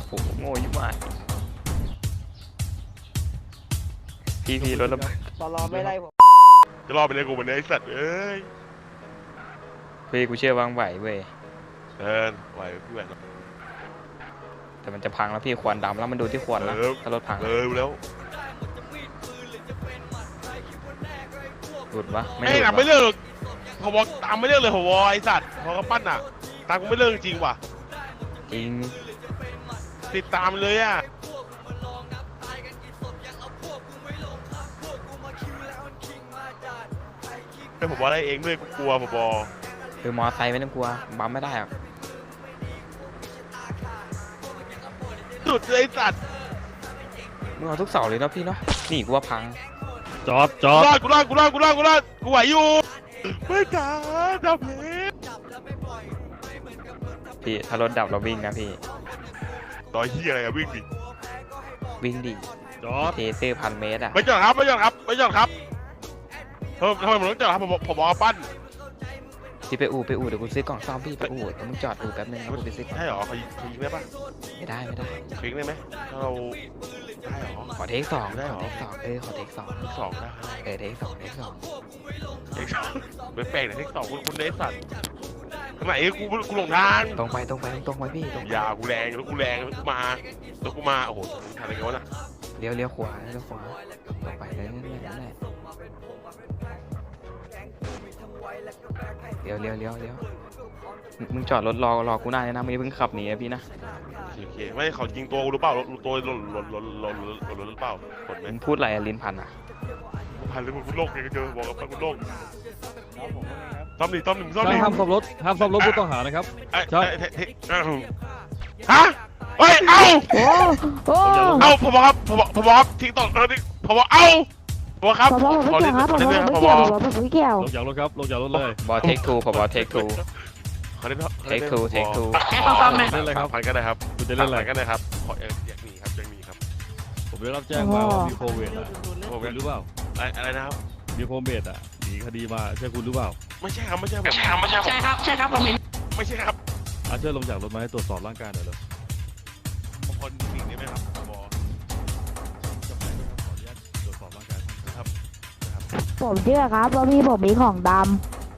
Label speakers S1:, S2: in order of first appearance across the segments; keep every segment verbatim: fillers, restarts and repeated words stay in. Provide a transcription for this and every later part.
S1: โหโง่ยิ่งมากพี่พี่รถระเบิด
S2: ตลอดไม่ได้ผม
S3: จะรอไปเลยกูวันนี้ไอ้สัตว์เอ้ย
S1: พี่กูเชื่อวางไหวเว้ย
S3: เดินไหวพี่แหวน
S1: แต่มันจะพังแล้วพี่ควันดำแล้วมันดูที่ควันนะถ้ารถพัง
S3: เออแล้ว
S1: หลุดวะไม่ห
S3: ไอ้
S1: ลุด
S3: หนักไม่เลิกพอบอกตามไม่เลิกเลยพอวไอ้สัตว์พอกระปั้นอ่ะตามกูไม่เลิกจริงว่ะ
S1: จริง
S3: ติดตามเลยอ่ะไอ้ผมบอกอะไรเองด้วยกูกลัวผมบอก
S1: คือมอไซค์ไม่ต้องกลัวบัมไม่ได้หรอก
S3: สุดเลยไอ้สัตว์
S1: มึงเอาทุกเสาเลยเนาะพี่เนาะนี่กูว่าพัง
S4: จอดจอด
S3: กูรอดกูรอดกูรอดกูรอดกูรอดกูไหวอยู่ไม่กล้าดับเพชร
S1: พี่ถ้ารถดับเราวิ่งนะพี่
S3: ต่อยเฮียอะไรอะวิ่งดิ
S1: วิ่งดิ
S4: จอด
S1: เทเซอร์พันเมตรอะ
S3: ไม่จอดครับไม่จอดครับไม่จอดครับทำไมผมต้องจอดครับผมผมบอกปั้น
S1: พี่ไปอู่ไปอู่เดี๋ยวกูซื้อกล่องซ่อมพี่ไปอู่เดี๋ยวมึงจอดอู่แป๊บนึงนะกูไปซื้อ
S3: ใช่หรอเขายิงได้ปะ
S1: ไม่ได้ไม่ได้
S3: คลิกได้ไหมถ้าเราได้หรอ
S1: ขอเทคสอง
S3: ได้หรอ
S1: เทคสองเออขอเทคสอง
S3: เทคสองได้
S1: เออเทคสองเทคสอง
S3: เทคสองไม่แปลกนะเทคสองคุณคุณเนสสัตว์ทำไมกูกูหลงทาง
S1: ตรงไปตรงไปตรงไปพี่ตรง
S3: ยากูแรงแล้วกูแรงแล้วกูมาแล้วกูมาโอ้โหทำอะไรกันวะน่ะ
S1: เลี้ยวเลี้ยวขวาเลี้ยวขวาตรงไปเลยนั่นแหละนั่นแหละเลี้ยวเลี้ยวเลี้ยวเลี้ยวมึงจอดรถรอรอกูได้นะมึงเพิ่งขับหนีนะพี่นะ
S3: โอเคไม่เขายิงตัวกูหรือเปล่าตัวหล่นหล่นหล่นหล่นหล่นหรือเปล่าหล่นไหม
S1: มึงพูดอะไรลิ้นพันอ่ะ
S3: พันเลยมึงพูดโลกไงเจอบอกกับพันพูดโลกต้อมหนึ่งต้อมหนึ่งต้อมหนึ่ง
S4: ห้ามซ่อมรถห้ามซ่อมรถผู้ต้องหานะครับ
S3: ใช่ฮะเฮ้ยเอ้าเอ้าผมบอกครับผมบอกผมบอกครับทิ้งต่อผมบอกเอ้าผมครับ
S5: ผมไม่เกี่ยวครับผมไม่เกี่ยวผมไม่เกี่ยว
S4: ลงจากรถครับลงจากรถเลย
S1: บอเทคทูผมบอเทคทูเทคทูเทคทู
S4: เล่นอะไรครับ
S3: ผ่านกันเลยครับ
S4: คุณจะเล่นอะไร
S3: กันเลยครับขออยากมีครับยังมีครับ
S4: ผมได้รับแจ้งมาว่ามีโควิดอ่ะผมหรือเปล่า
S3: อะไรนะครับ
S4: มีโควิดอ่ะหนีคดีมาใช่คุณหรือเปล่า
S3: ไม่ใช่ครับไม่ใช่ผมใช่ครับไม่ใช่
S5: ใช่ครับใช่ครับผมเห็น
S3: ไม่ใช่ครับ
S4: อาช่วยลงจากรถมาให้ตรวจสอบร่างกายหน่อยเลย
S3: บางคนมีได้ไหมครับบอ
S4: จะไปขออนุญาตตรวจสอบร่างกาย
S3: ครับ
S5: ผมเชื่อครับว่าพี่ผมมีของดำ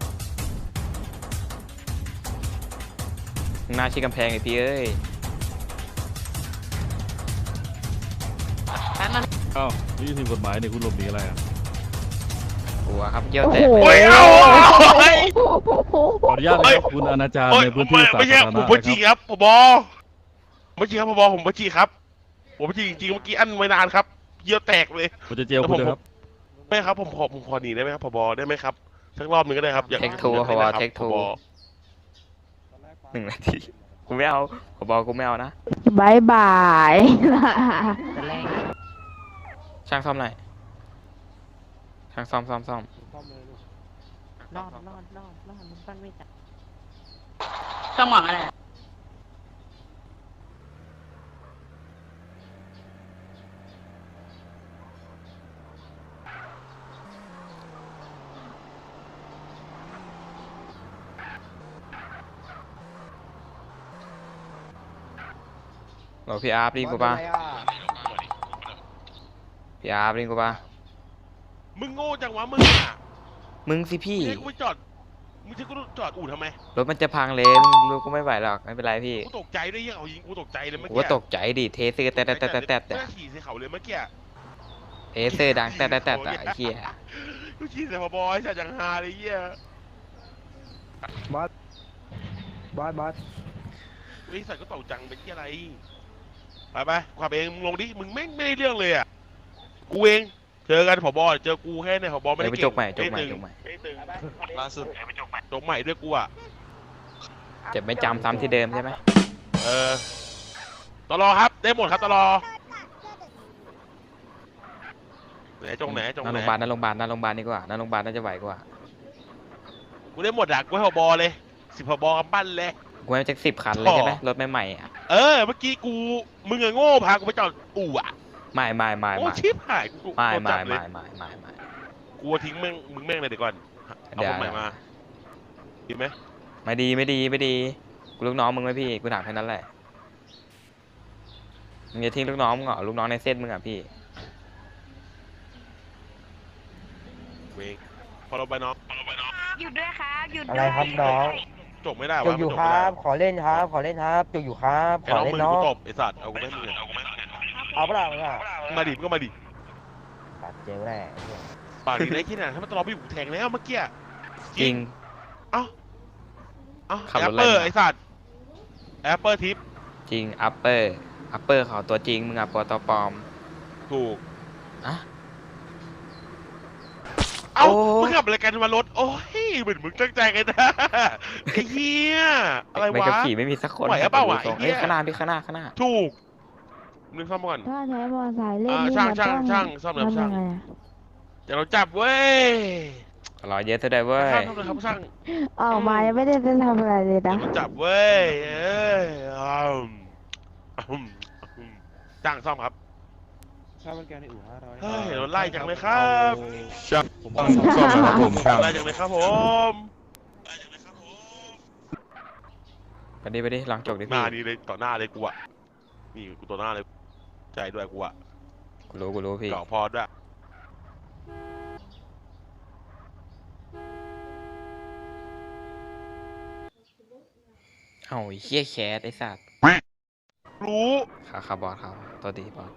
S1: หน้าชี้กำแพงไอพี่เอ้ย
S4: อ้าวนี่ทีมกฎหมายเนี่ยคุณหลบหนีอะไรอ่ะ
S1: หัวครับเยี่ยวแตก
S3: โอ้ยเอา
S4: ขออนุญาตนะครับคุณอนาจารในพื้นที่สาธารณะ
S3: ผมไม่จริงครับผมบอไม่จริงครับผมบอผมไม่จริงครับผมไม่จริงจริงเมื่อกี้อันไว้นานครับเยี่ยวแตกเลย
S4: ผมจะเจลคุณครับ
S3: ไม่ครับผมขอผมขอหนีได้ไหมครับผบได้ไหมครับสักรอบนึงก็ได้ครับ
S1: เทคทูผบเทคทูหนึ่งนาทีกูไม่เอาผบกูไม่เอานะ
S5: บายบาย
S1: ช่างซ่อมหน่อยช่างซ่อมซ่อมซ่อม
S5: นอนนอนนอนนอนมันปั้นไม่จับ
S2: ต้องหวังอะไร
S1: บอกพี่อาร์ฟริงกูป่ะพี่อาร์ฟริงกูป่ะ
S3: มึงโง่จังวะมึงอ่ะ
S1: มึงสิพี่
S3: กูไปจอดมึงจะกูจอดอู่ทำไม
S1: รถมันจะพังเลยมึงรู้กูไม่ไหวหรอกไม่เป็นไรพี่
S3: กูตกใจด้วยยังเอายิงกูตกใจเลยเมื่อกี้
S1: กูตกใจดิเทเซอร์แต่แต่แต่แต่แต่
S3: ขี่ใส่เขาเลยเมื่อกี้
S1: เทเซอร์ดังแต่แต่แต่แต่ไอ้เหี้ย
S3: กูขี่ใส่พอบอยใส่จังฮาเลยเหี้ย
S2: บอสบอสบอส
S3: ไอ้สัตว์ก็ตกจังเป็นที่อะไรไปไปขับเองมึงลงดิมึงไม่ไม่ได้เรื่องเลยอ่ะกูเองเจอกันผบเจอกูแค่เนี่ยผบไม่ได้
S1: เก่งจกใหม่จกใหม่จกใหม่
S3: ล่าสุดจกใหม่ด้วยกูอ่ะ
S1: เจ็บไม่จำซ้ำที่เดิมใช่ไหม
S3: เออตลอครับได้หมดครับตลอไหนจงไหนจงไหน
S1: โรงพยาบาลนั่นโรงพยาบาลนั่นโรงพยาบาลนี่กว่านั่นโรงพยาบาลน่าจะไหวกว่า
S3: กูได้หมดอ่ะกูให้ผบเลยสิบผบกำปั้นเลย
S1: กูให้แจ็คสิบคันเลยใช่ไหมรถใหม่ๆอ่ะ
S3: เออเมื่อกี้กูมึงอะโง่พากูไปจอดอู่อ่ะ
S1: ไม่ไม่ไม่
S3: ไม่ชิบหายกู
S1: ไม่ไม่ไม่ไม่ไม่ไม่
S3: กูทิ้งแม่งมึงแม่งเลยเดี๋ยวก่อนเอาคนใหม่มาดีไหม
S1: ไม่ดีไม่ดีไม่ดีกูลูกน้องมึงไหมพี่กูถามแค่นั้นแหละมึงจะทิ้งลูกน้องมึงเหรอลูกน้องในเส้นมึงอ่ะพี่
S3: เวงพอเราไปน้องพอเราไปน้อง
S6: หยุดด้วยครับหยุด
S2: อะไรครับน้อง
S3: จบไม่ได้
S2: จุ
S3: วะ
S2: กอยู่
S3: มัน
S2: ค
S3: จ
S2: รับ
S3: ไม่ได้
S2: ขอเล่นครับ ขอเล่นครับจุกอยู่ครับ
S3: ไอ้
S2: ขอ
S3: น้อง
S2: เล่น
S3: มือ
S2: น้อ
S3: กู
S2: ง
S3: ตบไอ้สัตว์เอากูไม่มึงเอากูไม่มึง
S2: เอาเปล่าเนี่ย
S3: มาดิมึงก็มาดิ
S2: ตัดเจลแน่
S3: ปากดีได้แค่ไหนถ้ามันตลอดไปอยู่แทงแล้วเมื่อกี้
S1: จริง
S3: เอ้าเอ้า
S1: ขับ
S3: แอ
S1: ร
S3: ป
S1: ถ
S3: เปอร์
S1: อะไรมา
S3: ไอ้สัตว์แอปเปอร์ทิป
S1: จริงอัปเปอร์อัปเปอร์เขาตัวจริงมึงอ่ะปอตอปลอม
S3: ถูก
S1: อะ
S3: เอ้า
S1: โอ้
S3: มึงขับอะไรกันมารถโอ้ยเหมือนมึงตั้งใจกันนะไอ้เหี้ยอะไร
S1: ไม่
S3: วะ
S1: กับขี่ไม่มีสักคน
S3: ไหวอะเปล่าวะ
S1: ดูทรง
S3: ไอ้เหี้
S1: เฮ้ย
S3: ย
S1: ข้างหน้าพี่ข้างหน้าข้างหน้า
S3: ถูกนึกซ่อมก่อน
S6: ถ้าใช้มอเตอร์ไซค์เล่น
S3: อ่า
S6: นี่
S3: ช่าง
S6: มัน
S3: ช่าง
S6: ต้อง
S3: ช่างซ่อมแล้ว
S6: ทำ
S3: ช่า
S6: ยัง งไงอะ
S3: เดี๋ยวเราจับเว้ย
S1: รอเยอะซะด้วยเว้ย
S3: ช่างทำเลยครับช่าง
S6: ออกมายังไม่ได้จะทำอะไรเลย
S3: เดี๋ย
S6: นะ
S3: วเราจับเว้ยเอ้ยอืมอืมอืมจ้างซ่อมครับ
S7: ค่าบริการในอู่ห้าร้อย
S3: เฮ้ยโดนไล่จังเลยครับ
S4: ช่างผมต้องซ่อมนะครับผมช่าง
S3: ไล่จังเลยครับผม
S1: ไปดิไปดิลองจกดิ
S3: ห
S1: พี่
S3: น้านี่เลยต่อหน้าเลยกูอะนี่กูต่อหน้าเลยใจด้วยกูอะ
S1: กูรู้กูรู้พี่
S3: เก่าพอด้วย
S1: เอ้าไอ้เหี้ยแคสไอ้สัตว์
S3: รู้
S1: ขาขาบอสเขาตัวดีบอส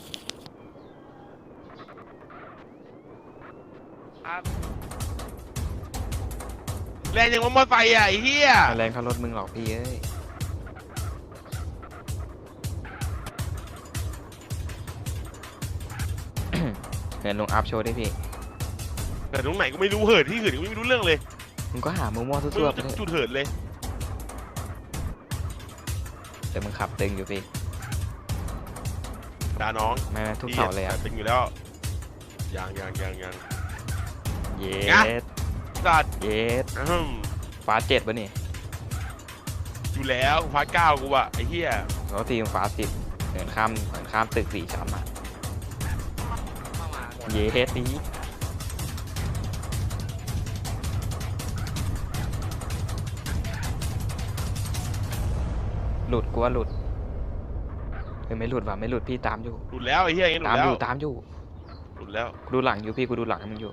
S3: แรงยังว่ามอไซค์อะไอ้เหี้ย
S1: แรงเขารถมึงหรอกพี่เอ้ย เห็นลงอัพโชว์ดิพี่
S3: แต่ตรงไหนก็ไม่รู้เหินที่เหินก็ไม่รู้เรื่องเลย
S1: มึงก็หามั่วๆ
S3: ไม่
S1: ซั่ว
S3: รู้
S1: ๆไป
S3: จะ
S1: เถ
S3: จุ
S1: อะ
S3: ดเหินเลย
S1: แต่มึงขับตึงอยู่พี่
S3: ด่าน้อง
S1: ไม่ไม่ทุกเสาเลยอ่ะ
S3: เป็นอยู่แล้วยังยังยังยัง
S1: เย
S3: งะ
S1: ส
S3: สัตว์
S1: เยส
S3: อืม
S1: ฟ้าเจ็ดปะนี่
S3: อยู่แล้วฟาเก้ากูอะไอ้เหี้ย
S1: แล้วทีมฟ้าสิบเหินข้ามเหินข้ามตึกสี่ชั้นอ่ะเยสนี้หลุดกูว่าหลุดเฮ้ยไม่หลุดว่ะไม่หลุดพี่ตามอยู่
S3: หลุดแล้วไอ้เหี้ยอย่างงี้หลุ
S1: ตาม
S3: ดแล้
S1: อ
S3: ว
S1: ยู่ตามอยู่
S3: หลุดแล้ว
S1: กูดูหลังอยู่พี่กูดูหลังให้มึงอยู่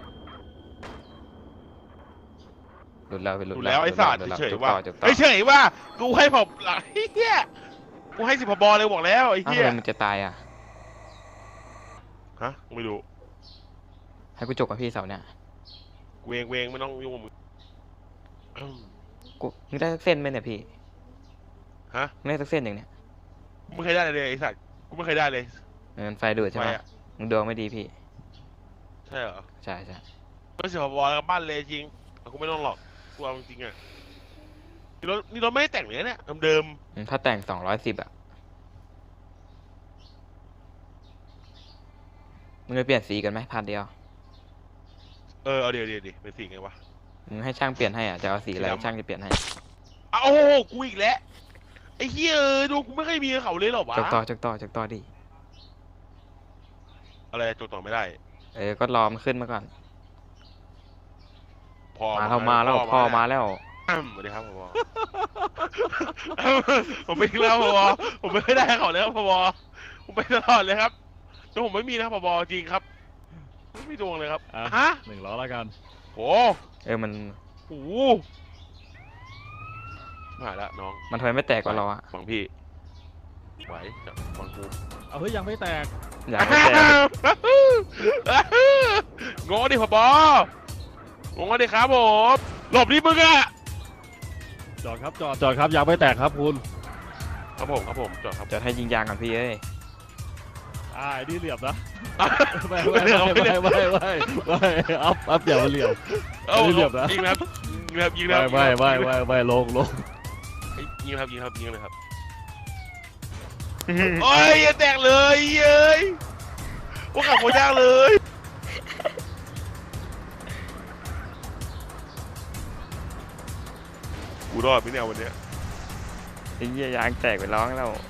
S1: หลุดแล้วไปห
S3: ห
S1: ลุด
S3: ลุดแล้วไอ้สัตว์
S1: หลุดแล้ว
S3: เฉย
S1: จุก
S3: ๆว่า
S1: ต่อจุกต่อ
S3: ไอ้เฉยว่ากูให้ผมหลังไอ้เหี้ยกูให้สิบพบเลยบอกแล้วไอ้
S1: อ้าว
S3: เหี้
S1: ทำ
S3: ย
S1: ไมมันจะตายอ่ะ
S3: ฮะไม่รู้
S1: ให้กูจกกับพี่เสาเนี่ย
S3: เวงเวงไม่ต้องยุ่งกับมึงอืม
S1: กูมึงได้สักเส้นไหมเนี่ยพี่
S3: ฮะ
S1: มึงได้สักเส้นอย่างเนี้ย
S3: กูไม่เคยได้เลยไอ้สัตว์กูไม่เคยได้เลย
S1: เงินไฟดูดใช่ไหม
S3: ไฟอะ
S1: มึงดวงไม่ดีพี่
S3: ใช่เหรอ
S1: ใช่ใช่
S3: ไม่สิบพบกับบ้านเลยจริงกูไม่ต้องหรอกกูเอาจริงๆอะนี่รถนี่รถไม่ได้แต่งเลยเนี่ยเดิม
S1: อืมถ้าแต่งสองร้อยสิบอ่ะมึงไปเปลี่ยนสีกันไหมพันเดียว
S3: ๆเออเอาเดี๋ยวเดี๋ยวเดี๋ยวเป็นสิ่งไงวะ
S1: มึงให้ช่างเปลี่ยนให้อ่ะจะเอาสีอะไร
S3: สีดำ
S1: ช่างจะเปลี่ยนให้
S3: เอาโอ้โหกูอีกแล้วไอ้เหี้ยเออดูกูไม่เคยมีกับเขาเลยเหรอวะ
S1: จกต่อจกต่อจกต่อดิ
S3: อะไรจดต่อไม่ได้
S1: เออก็รอมันขึ้นมาก่อน
S3: พอ
S1: มาแล้วมาแล้วพ่อมาแล้ว
S3: อืมสวัสดีครับพอ ผมไม่แล้วพอผมไม่ได้เขาเลยครับพอผมไปตลอดเลยครับแต่ผมไม่มีนะพอจริงครับไม่มีดวงเลยครับ
S4: อ่ะ
S3: ฮะ
S4: หนึ่งล้อแล้วกัน
S3: โอ้
S1: เออมัน
S3: โหมาแล้วน้อง
S1: มันทำไมไม่แตกกว่าเราอ่ะ
S3: ฟังพี่ไหวจับฟังกู
S4: เอาเฮ้ยยังไม่แตก
S1: อยากไม่แตก
S3: งอดิพองอดิครับผมหลบดิมึงอะ
S4: จอดครับจอดจอดครับยังไม่แตกครับคุณ
S3: ครับผมครับผมจอดครับ
S1: จะให้ยิงยางก่อนพี่เอ้ย
S4: อ่าไอ้นี่เหลี่ยมนะ ไม่
S3: ไม่
S4: ไม่
S3: เรื่อง
S4: ไม่
S3: ไม่เรื่
S4: ไม่
S3: อง
S4: ไม่ไม่ไม่อัพอัพเดี๋ยวมันเหลี่ยม
S3: เอ้า
S4: ไม่เหลี่ยมนะ
S3: ยิงนะครับยิงนะครับยิงนะ
S4: ไม่
S3: ครับ
S4: ไม่ไม่ไม่ไม่ลงลง
S3: ยิงนะครับยิงครับยิงเลยครับโอ้ยอย่าแตกเลยเย้ยว่าขับโคตรยากเลยกูรอดไหมเนี่ยวันเนี้ย
S1: ไอ้เหี้ยยางแตกไปร้องแล้ว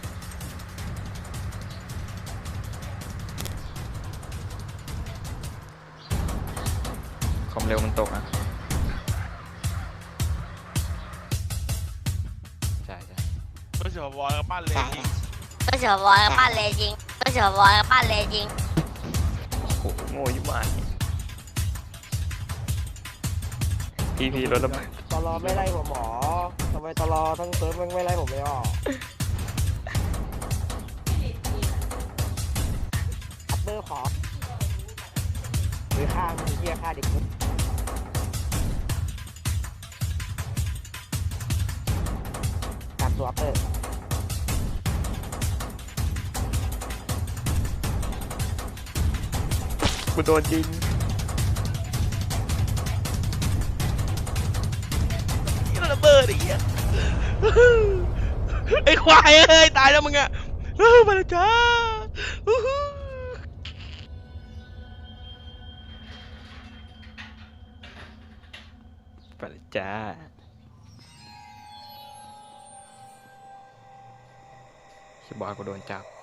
S1: ความเร็วมันตกอ่ะใช่ใช่
S3: ไม่ใช่พอบอลกับบ้านเลยจริง
S8: ก็เฉยบอยบ้านเลยจริงก็เฉยบอยบ้านเลยจริง
S1: โอ้โหโง่ยิ่งมากพี่พี่รถระเบิด
S2: ตลอไม่ไล่ผมหมอทำไมตลอทั้งเซิร์ฟแม่งไม่ไล่ผมเลยอ่ะอัปเปอร์ขอหรือฆ่ามึงเหี้ยฆ่าเด็กกูตามตัวอัปเปอร์
S1: กูโดนยิง
S3: นี่ระเบิดไอ้เหี้ยไอ้ควายเอ้ยตายแล้วมึงอะเออมาแล้วจ้าอู้หู
S1: ไปเลยจ้าชิบอยกูโดนจับ